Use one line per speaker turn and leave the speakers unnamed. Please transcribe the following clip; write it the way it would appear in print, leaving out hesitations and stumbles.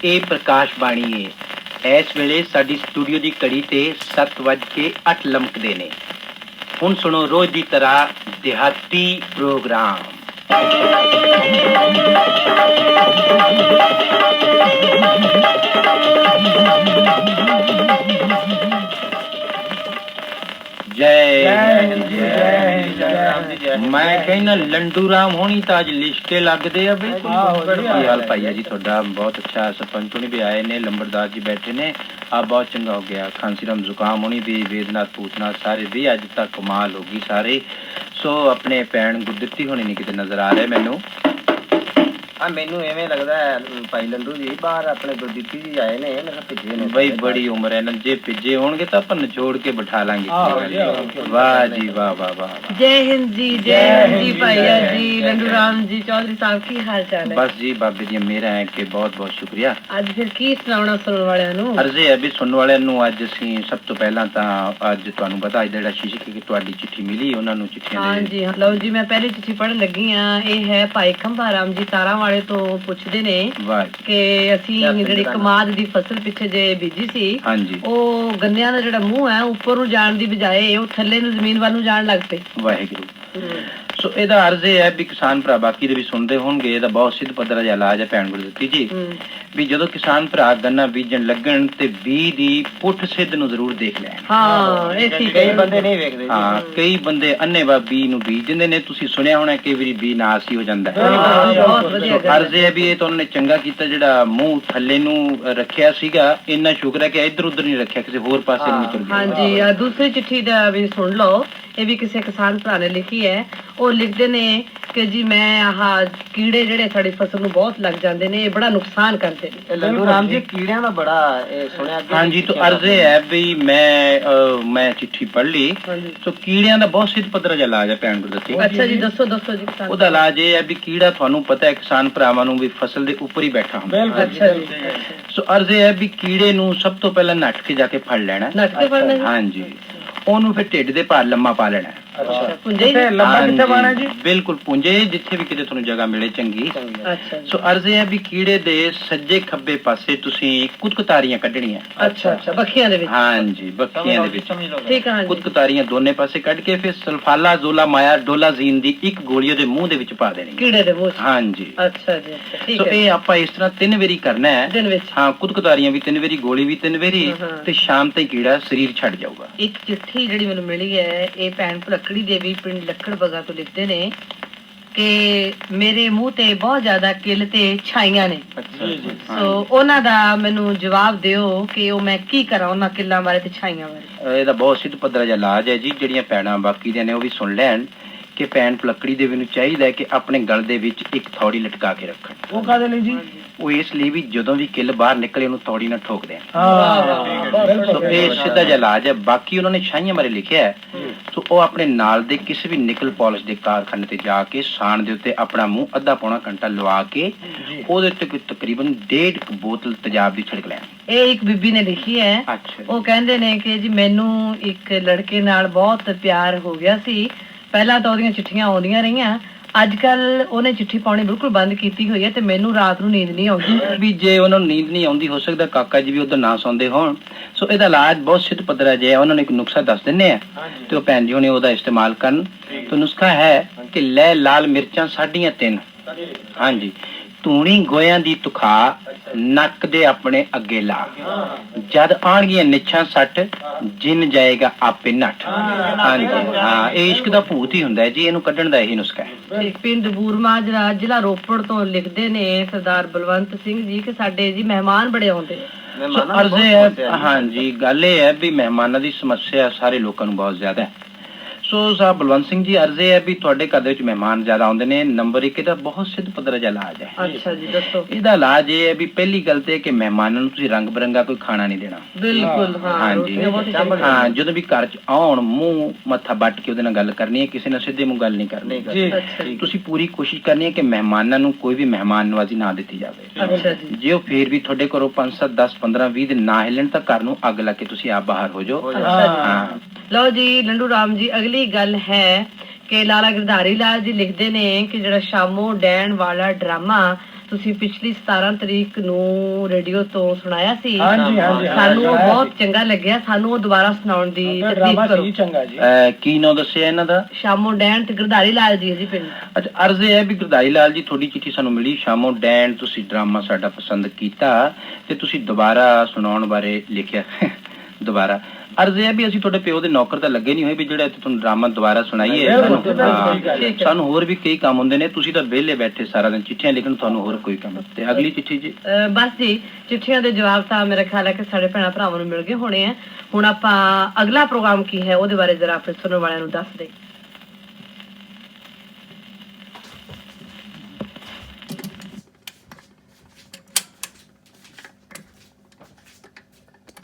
ਇਹ ਪ੍ਰਕਾਸ਼ ਬਾਣੀ ਹੈ। ਇਸ ਵੇਲੇ ਸਾਡੀ ਸਟੂਡੀਓ ਦੀ ਘੜੀ ਤੇ 7:08 ਲਮਕਦੇ ਨੇ। ਹੁਣ ਸੁਣੋ ਰੋਜ਼ ਦੀ ਤਰ੍ਹਾਂ ਦਿਹਾਤੀ ਪ੍ਰੋਗਰਾਮ। मैं कहना लंडू राम होनी तो अज लिशके लगते हैं। की हाल भाईया जी थोड़ा बहुत अच्छा। सरपंच होनी भी आए ने, लंबरदार जी बैठे ने, आप बहुत चंगा हो गया। खांसी राम जुकाम होनी भी, वेदनाथ पूतनाथ सारे भी अज तक कमाल होगी सारे। सो अपने भैन गुरदित्ती होनी नहीं किते नजर आ रहे मैनू।
हाँ मैनू एवें लगदा है भाई लंडू जी बाहर अपने गुरदित्ती जी आए ने, मेरा पिज्जे ने
भाई बड़ी उम्र है ना, जे पिज्जे होंगे तो अपन निचोड़ के बैठा लांगे। वाह जी वाह वाह वाह।
जय हिंद जी, जय हिंद जी भैया जी, लंडू राम जी चौधरी साहब की हाल चाल है?
बस जी बाबे दी मेरा है कि बहुत बहुत शुक्रिया।
ਅੱਜ ਫਿਰ ਕੀ ਸੁਣਾਉਣਾ ਸੁਣਨ ਵਾਲਿਆਂ ਨੂੰ?
अर्जे है भी सुनने वाले ਨੂੰ ਅੱਜ ਅਸੀਂ ਸਭ ਤੋਂ ਪਹਿਲਾਂ ਤਾਂ ਅੱਜ ਤੁਹਾਨੂੰ ਪਤਾ ਜਿਹੜਾ ਸ਼ੀਸ਼ੇ ਕੀ ਤੁਹਾਡੀ ਚਿੱਠੀ ਮਿਲੀ ਉਹਨਾਂ ਨੂੰ ਚਿੱਠੀਆਂ
ਹਾਂ ਜੀ ਲਓ ਜੀ, ਮੈਂ ਪਹਿਲੀ ਚਿੱਠੀ ਪੜ੍ਹਨ ਲੱਗੀ ਆ। ਇਹ ਹੈ ਭਾਈ ਖੰਭਾ ਰਾਮ ਜੀ ਤਾਰਾਂ ਵਾਲੇ ਤੋਂ ਪੁੱਛਦੇ ਨੇ ਕਿ ਅਸੀਂ ਜਿਹੜੀ ਕਮਾਦ ਦੀ ਫਸਲ ਪਿੱਛੇ ਜੇ ਬੀਜੀ ਸੀ,
ਹਾਂਜੀ,
ਉਹ ਗੰਨਿਆਂ ਦਾ ਜਿਹੜਾ ਮੂੰਹ ਹੈ ਉੱਪਰ ਨੂੰ ਜਾਣ ਦੀ ਬਜਾਏ ਉਹ ਥੱਲੇ ਨੂੰ ਜ਼ਮੀਨ ਵੱਲ ਨੂੰ ਜਾਣ ਲੱਗ ਪਏ।
ਵਾਹਿਗੁਰੂ। ਸੋ ਇਹਦਾ ਅਰਜ਼ ਇਹ ਹੈ ਵੀ ਕਿਸਾਨ ਭਰਾ ਬਾਕੀ ਦੇ ਵੀ ਸੁਣਦੇ ਹੋਣਗੇ, ਇਹਦਾ ਬਹੁਤ ਸਿੱਧ ਪੱਧਰ ਜਿਹਾ ਇਲਾਜ ਹੈ ਭੈਣ ਗੁਰਦਿੱਤੀ ਜੀ। ਵੀ ਜਦੋਂ ਕਿਸਾਨ ਭਰਾ ਗੰਨਾ ਬੀਜਣ ਲੱਗਣ ਤੇ ਬੀਜ ਦੀ ਪੁੱਠ ਸਿੱਧ ਨੂੰ ਜ਼ਰੂਰ ਦੇਖ ਲੈਣ।
ਹਾਂ ਇਹ ਠੀਕ
ਕਈ ਬੰਦੇ ਨਹੀਂ ਵੇਖਦੇ।
ਹਾਂ ਕਈ ਬੰਦੇ ਅੰਨੇਵਾਹ ਬੀ ਨੂੰ ਬੀਜ ਦਿੰਦੇ ਨੇ। ਤੁਸੀਂ ਸੁਣਿਆ ਹੋਣਾ ਕਈ ਵਾਰੀ ਬੀ ਨਾਸ ਹੀ ਹੋ ਜਾਂਦਾ ਹੈ। ਅਰਜ਼ ਇਹ ਹੈ ਵੀ ਇਹ ਤਾਂ ਉਹਨਾਂ ਨੇ ਚੰਗਾ ਕੀਤਾ ਜਿਹੜਾ ਮੂੰਹ ਥੱਲੇ ਨੂੰ ਰੱਖਿਆ ਸੀਗਾ। ਇੰਨਾ ਸ਼ੁਕਰ ਹੈ ਕਿ ਇੱਧਰ ਉੱਧਰ ਨਹੀਂ ਰੱਖਿਆ, ਕਿਸੇ ਹੋਰ ਪਾਸੇ ਨੂੰ ਤੁਰ ਗਿਆ।
ਹਾਂਜੀ ਦੂਸਰੀ ਚਿੱਠੀ ਦਾ ਵੀ ਸੁਣ ਲਓ। ਇਹ ਵੀ ਕਿਸੇ ਕਿਸਾਨ ਭਰਾ ਨੇ ਲਿਖੀ ਹੈ। ਉਹ ਲਿਖਦੇ ਨੇ ਕਿ ਜੀ ਮੈਂ ਆਹ ਕੀੜੇ ਜਿਹੜੇ ਸਾਡੀ ਫਸਲ ਨੂੰ ਬਹੁਤ ਲੱਗ ਜਾਂਦੇ ਨੇ, ਇਹ ਬੜਾ ਨੁਕਸਾਨ ਕਰਦੇ ਨੇ।
ਲੰਡੂ ਰਾਮ ਜੀ ਕੀੜਿਆਂ ਦਾ ਬੜਾ ਸੁਣਿਆ।
ਹਾਂਜੀ ਤਾਂ ਅਰਜ਼ ਇਹ ਹੈ ਵੀ ਮੈਂ ਚਿੱਠੀ ਪੜ੍ਹ ਲਈ। ਸੋ ਕੀੜਿਆਂ ਦਾ ਬਹੁਤ ਸਿੱਧ ਪੱਧਰ ਜਿਹਾ ਇਲਾਜ ਹੈ ਭੈਣ ਗੁਰਦਿੱਤੀ।
ਅੱਛਾ ਜੀ ਦੱਸੋ ਜੀ।
ਉਹਦਾ ਇਲਾਜ ਇਹ ਹੈ ਵੀ ਕੀੜਾ ਤੁਹਾਨੂੰ ਪਤਾ ਹੈ ਕਿਸਾਨ ਭਰਾਵਾਂ ਨੂੰ ਵੀ ਫਸਲ ਦੇ ਉੱਪਰ ਹੀ ਬੈਠਾ ਹੁੰਦਾ।
ਅੱਛਾ ਜੀ।
ਸੋ ਅਰਜ਼ ਇਹ ਹੈ ਵੀ ਕੀੜੇ ਨੂੰ ਸਭ ਤੋਂ ਪਹਿਲਾਂ ਨੱਠ ਕੇ ਜਾ ਕੇ ਫੜ ਲੈਣਾ।
ਨੱਠ ਕੇ ਫੜਨਾ?
ਹਾਂਜੀ। ਉਹਨੂੰ ਫਿਰ ਢਿੱਡ ਦੇ ਭਾਰ ਲੰਮਾ ਪਾ ਲੈਣਾ। ਬਿਲਕੁਲ ਪੁੰਜੇ ਜਿੱਥੇ ਵੀ ਕਿਤੇ ਤੁਹਾਨੂੰ ਜਗ੍ਹਾ ਮਿਲੇ ਚੰਗੀ। ਸੋ ਅਰਜ਼ ਹੈ ਵੀ ਕੀੜੇ ਦੇ ਸੱਜੇ ਖੱਬੇ ਪਾਸੇ ਤੁਸੀਂ ਕੁਤਕਤਾਰੀਆਂ ਕੱਢਣੀਆਂ।
ਅੱਛਾ ਬੱਖੀਆਂ ਦੇ ਵਿੱਚ?
ਹਾਂਜੀ ਬੱਖੀਆਂ ਦੇ ਵਿੱਚ।
ਠੀਕ ਹੈ।
ਕੁਤਕਤਾਰੀਆਂ ਦੋਨੇ ਪਾਸੇ ਕੱਢ ਕੇ ਫਿਰ ਸਲਫਾਲਾ ਜ਼ੋਲਾ ਮਾਇਆ ਡੋਲਾਜ਼ੀਨ ਦੀ ਇੱਕ ਗੋਲੀ ਉਹਦੇ ਮੂੰਹ ਦੇ ਵਿੱਚ ਪਾ ਦੇਣੀ
ਕੀੜੇ ਦੇ ਮੂੰਹ। ਹਾਂਜੀ। ਅੱਛਾ ਜੀ ਠੀਕ ਹੈ।
ਸੋ ਇਹ ਆਪਾਂ ਇਸ ਤਰ੍ਹਾਂ 3 ਵਾਰੀ ਕਰਨਾ ਹੈ ਦਿਨ ਵਿੱਚ। ਹਾਂ ਕੁਤਕਤਾਰੀਆਂ ਵੀ 3 ਵਾਰੀ, ਗੋਲੀ ਵੀ 3 ਵਾਰੀ, ਤੇ ਸ਼ਾਮ ਤੱਕ ਕੀੜਾ ਸਰੀਰ ਛੱਡ ਜਾਊਗਾ।
ਇੱਕ ਚਿੱਠੀ ਜਿਹੜੀ ਮੈਨੂੰ ਮਿਲੀ ਹੈ ਇਹ ਭੈਣ ਭੁਲੱਕੜੀ ਦੇਵੀ ਪਿੰਡ ਲੱਖੜ ਬਗਾ ਤੋਂ ਲਿਖਦੇ ਨੇ ਕਿ ਮੇਰੇ ਮੂੰਹ ਤੇ ਬਹੁਤ ਜ਼ਿਆਦਾ ਕਿੱਲ ਤੇ ਛਾਈਆਂ ਨੇ। ਸੋ ਉਹਨਾਂ ਦਾ ਮੈਨੂੰ ਜਵਾਬ ਦਿਓ ਕਿ ਉਹ ਮੈਂ ਕੀ ਕਰਾਂ ਉਹਨਾਂ ਕਿੱਲਾਂ ਬਾਰੇ ਤੇ ਛਾਈਆਂ ਬਾਰੇ।
ਇਹਦਾ ਬਹੁਤ ਸਿੱਧ ਪੱਧਰ ਜਿਹਾ ਇਲਾਜ ਹੈ ਜੀ। ਜਿਹੜੀਆਂ ਭੈਣਾਂ ਬਾਕੀ ਦੀਆਂ ਨੇ ਉਹ ਵੀ ਸੁਣ ਲੈਣ ਕਿ ਭੈਣ ਭੁਲੱਕੜੀ ਦੇਵੀ ਨੂੰ ਚਾਹੀਦਾ ਕਿ ਆਪਣੇ ਗਲ ਦੇ ਵਿੱਚ ਇੱਕ ਥੌੜੀ ਲਟਕਾ ਕੇ ਰੱਖਣ।
ਉਹ ਕਾਹਦੇ ਲਈ ਜੀ?
ਉਹ ਇਸ ਲਈ ਵੀ ਜਦੋਂ ਵੀ ਕਿੱਲ ਬਾਹਰ ਨਿਕਲੇ ਉਹਨੂੰ ਥੌੜੀ ਨਾਲ ਠੋਕ ਦੇਣ। ਸੋ ਇਹ ਸਿੱਧਾ ਜਿਹਾ ਇਲਾਜ ਹੈ। ਬਾਕੀ ਉਹਨਾਂ ਨੇ ਛਾਈਆਂ ਬਾਰੇ ਲਿਖਿਆ ਹੈ। ਸੋ ਉਹ ਆਪਣੇ ਨਾਲ ਦੇ ਕਿਸੇ ਵੀ ਨਿਕਲ ਪਾਲਿਸ਼ ਦੇ ਕਾਰਖਾਨੇ ਤੇ ਜਾ ਕੇ ਸਾਣ ਦੇ ਉੱਤੇ ਆਪਣਾ ਮੂੰਹ ਅੱਧਾ ਪੌਣਾ ਘੰਟਾ ਲਵਾ ਕੇ ਉਹਦੇ ਉੱਤੇ ਤਕਰੀਬਨ 1.5 ਬੋਤਲ ਤੇਜ਼ਾਬ ਦੀ ਛਿੜਕ ਲੈਣ।
ਇਹ ਇੱਕ ਬੀਬੀ ਨੇ ਲਿਖੀ ਹੈ। ਉਹ ਕਹਿੰਦੇ ਨੇ ਕਿ ਜੀ ਮੈਨੂੰ ਇੱਕ ਲੜਕੇ ਨਾਲ ਬਹੁਤ ਪਿਆਰ ਹੋ ਗਿਆ ਸੀ। ਪਹਿਲਾਂ ਤਾਂ ਉਹਦੀਆਂ ਚਿੱਠੀਆਂ ਆਉਂਦੀਆਂ ਰਹੀਆਂ, ਅੱਜ ਕੱਲ ਉਹਨੇ ਚਿੱਠੀ ਪਾਉਣੀ ਬਿਲਕੁਲ ਬੰਦ ਕੀਤੀ ਹੋਈ ਹੈ ਤੇ ਮੈਨੂੰ ਰਾਤ ਨੂੰ ਨੀਂਦ ਨਹੀਂ ਆਉਂਦੀ।
ਵੀ ਜੇ ਉਹਨਾਂ ਨੂੰ ਨੀਂਦ ਨਹੀਂ ਆਉਂਦੀ ਹੋ ਸਕਦਾ ਕਾਕਾ ਜੀ ਵੀ ਉਧਰ ਨਾ ਸੌਂਦੇ ਹੋਣ। ਸੋ ਇਹਦਾ ਇਲਾਜ ਬਹੁਤ ਸਿੱਧ ਪੱਧਰ ਜਿਹਾ ਉਹਨਾਂ ਨੇ ਇੱਕ ਨੁਸਖਾ ਦੱਸ ਦਿੰਨੇ ਆ ਤੇ ਉਹ ਭੈਣ ਜੀ ਹੁਣੇ ਉਹਦਾ ਇਸਤੇਮਾਲ ਕਰਨ। ਤੇ ਨੁਸਖਾ ਹੈ ਕਿ ਲੈ ਲਾਲ ਮਿਰਚਾਂ 3.5। ਹਾਂਜੀ। ਧੂਣੀ ਗੋਇਆਂ ਦੀ ਤੁਖਾ ਨੱਕ ਦੇ ਆਪਣੇ ਅੱਗੇ ਲਾ, ਜਦ ਆਣਗੀਆਂ ਨਿਛਾਂ 60 ਜਿੰਨ ਜਾਏਗਾ ਆਪੇ ਨੱਠ। ਹਾਂਜੀ ਹਾਂ ਇਹ ਇਸ਼ਕ ਦਾ ਭੂਤ ਹੀ ਹੁੰਦਾ ਜੀ, ਇਹਨੂੰ ਕੱਢਣ ਦਾ ਇਹੀ ਨੁਸਖਾ ਹੈ।
ਪਿੰਡ ਬੂਰਮਾ ਜ਼ਿਲ੍ਹਾ ਰੋਪੜ ਤੋਂ ਲਿਖਦੇ ਨੇ ਸਰਦਾਰ ਬਲਵੰਤ ਸਿੰਘ ਜੀ ਕਿ ਸਾਡੇ ਜੀ ਮਹਿਮਾਨ ਬੜੇ ਆਉਂਦੇ।
ਅਰਜ਼ ਹੈ ਹਾਂਜੀ ਗੱਲ ਇਹ ਹੈ ਵੀ ਮਹਿਮਾਨਾਂ ਦੀ ਸਮੱਸਿਆ ਸਾਰੇ ਲੋਕਾਂ ਨੂੰ ਬਹੁਤ ਜ਼ਿਆਦਾ ਹੈ। ਸੋ ਸਾਹਿਬ ਬਲਵੰਤ ਸਿੰਘ ਜੀ ਅਰਜ਼ ਹੈ ਵੀ ਤੁਹਾਡੇ ਘਰ ਦੇ ਵਿੱਚ ਮਹਿਮਾਨ ਜ਼ਿਆਦਾ ਆਉਂਦੇ ਨੇ। ਨੰਬਰ 1 ਇਹਦਾ ਬਹੁਤ ਸਿੱਧ ਪੱਧਰ ਜਿਹਾ ਇਲਾਜ ਹੈ।
ਅੱਛਾ ਜੀ ਦੱਸੋ।
ਇਹਦਾ ਇਲਾਜ ਇਹ ਹੈ ਵੀ ਪਹਿਲੀ ਗੱਲ ਤੇ ਕਿ ਮਹਿਮਾਨਾਂ ਨੂੰ ਤੁਸੀਂ ਰੰਗ ਬਰੰਗਾ ਕੋਈ ਖਾਣਾ ਨਹੀਂ ਦੇਣਾ।
ਬਿਲਕੁਲ
ਹਾਂਜੀ ਹਾਂ। ਜਦੋਂ ਵੀ ਘਰ ਚ ਆਉਣ ਮੂੰਹ ਮੱਥਾ ਵੱਟ ਕੇ ਉਹਦੇ ਨਾਲ ਗੱਲ ਕਰਨੀ ਹੈ, ਕਿਸੇ ਨਾਲ ਸਿੱਧੇ ਮੂੰਹ ਗੱਲ ਨਹੀਂ ਕਰਨੀ। ਤੁਸੀਂ ਪੂਰੀ ਕੋਸ਼ਿਸ਼ ਕਰਨੀ ਹੈ ਕਿ ਮਹਿਮਾਨਾਂ ਨੂੰ ਕੋਈ ਵੀ ਮਹਿਮਾਨ ਨਵਾਜ਼ੀ ਨਾ ਦਿੱਤੀ ਜਾਵੇ। ਜੇ ਉਹ ਫੇਰ ਵੀ ਤੁਹਾਡੇ ਘਰੋਂ 5 7 10 15 20 ਦਿਨ ਨਾ ਹਿੱਲਣ ਤਾਂ ਘਰ ਨੂੰ ਅੱਗ ਲਾ ਕੇ ਤੁਸੀਂ ਆਪ ਬਾਹਰ ਹੋ ਜਾਓ। ਹਾਂ
ਲਓ ਜੀ ਲੰਡੂ ਰਾਮ ਜੀ ਅਗਲੀ ਗੱਲ ਹੈ ਕਿ ਲਾਲਾ ਗਿਰਧਾਰੀ ਲਾਲ ਜੀ ਲਿਖਦੇ ਨੇ ਕਿ ਜਿਹੜਾ ਸ਼ਾਮੋ ਡੈਣ ਵਾਲਾ ਡਰਾਮਾ ਤੁਸੀਂ ਪਿਛਲੀ 17 ਤਰੀਕ ਨੂੰ ਰੇਡੀਓ ਤੋਂ ਸੁਣਾਇਆ ਸੀ।
ਹਾਂਜੀ ਹਾਂਜੀ
ਸਾਨੂੰ ਉਹ ਬਹੁਤ ਚੰਗਾ ਲੱਗਿਆ। ਸਾਨੂੰ ਉਹ ਦੁਬਾਰਾ ਸੁਣਾਉਣ ਦੀ
ਡਰਾਮਾ
ਤਕਲੀਫ ਕਰੋ।
ਸੀ ਚੰਗਾ ਜੀ।
ਕੀ ਨਾਂ ਦੱਸਿਆ ਇਹਨਾਂ ਦਾ?
ਸ਼ਾਮੋ ਡੈਣ ਤੇ ਗਰਧਾਰੀ ਲਾਲ ਜੀ ਜੀ ਪਿੰਡ।
ਅੱਛਾ, ਅਰਜ਼ ਇਹ ਹੈ ਵੀ ਗੁਰਦਾਈ ਲਾਲ ਜੀ, ਤੁਹਾਡੀ ਚਿੱਠੀ ਸਾਨੂੰ ਮਿਲੀ ਸ਼ਾਮੋ ਡੈਨ, ਤੁਸੀਂ ਡਰਾਮਾ ਸਾਡਾ ਪਸੰਦ ਕੀਤਾ ਤੇ ਤੁਸੀਂ ਦੁਬਾਰਾ ਸੁਣਾਉਣ ਬਾਰੇ ਲਿਖਿਆ। ਦੁਬਾਰਾ ਅਰਜ਼ ਇਹ ਹੈ ਵੀ ਅਸੀਂ ਤੁਹਾਡੇ ਪਿਓ ਦੇ ਨੌਕਰ ਤਾਂ ਲੱਗੇ ਨਹੀਂ ਹੋਏ ਵੀ ਜਿਹੜਾ ਤੁਹਾਨੂੰ ਡਰਾਮਾ ਦੁਬਾਰਾ ਸੁਣਾਈਏ। ਸਾਨੂੰ ਹੋਰ ਵੀ ਕਈ ਕੰਮ ਹੁੰਦੇ ਨੇ, ਤੁਸੀਂ ਤਾਂ ਵਿਹਲੇ ਬੈਠੇ ਸਾਰਾ ਦਿਨ ਚਿੱਠੀਆਂ ਲਿਖਣ, ਤੁਹਾਨੂੰ ਹੋਰ ਕੋਈ ਕੰਮ। ਤੇ ਅਗਲੀ ਚਿੱਠੀ ਜੀ?
ਬਸ ਜੀ, ਚਿੱਠੀਆਂ ਦੇ ਜਵਾਬ ਤਾਂ ਮੇਰਾ ਖਿਆਲ ਹੈ ਕਿ ਸਾਡੇ ਭੈਣਾਂ ਭਰਾਵਾਂ ਨੂੰ ਮਿਲ ਗਏ ਹੋਣੇ ਆ। ਹੁਣ ਆਪਾਂ ਅਗਲਾ ਪ੍ਰੋਗਰਾਮ ਕੀ ਹੈ ਉਹਦੇ ਬਾਰੇ ਜ਼ਰਾ ਆਪਣੇ ਸੁਣਨ ਵਾਲਿਆਂ ਨੂੰ ਦੱਸ ਦੇ।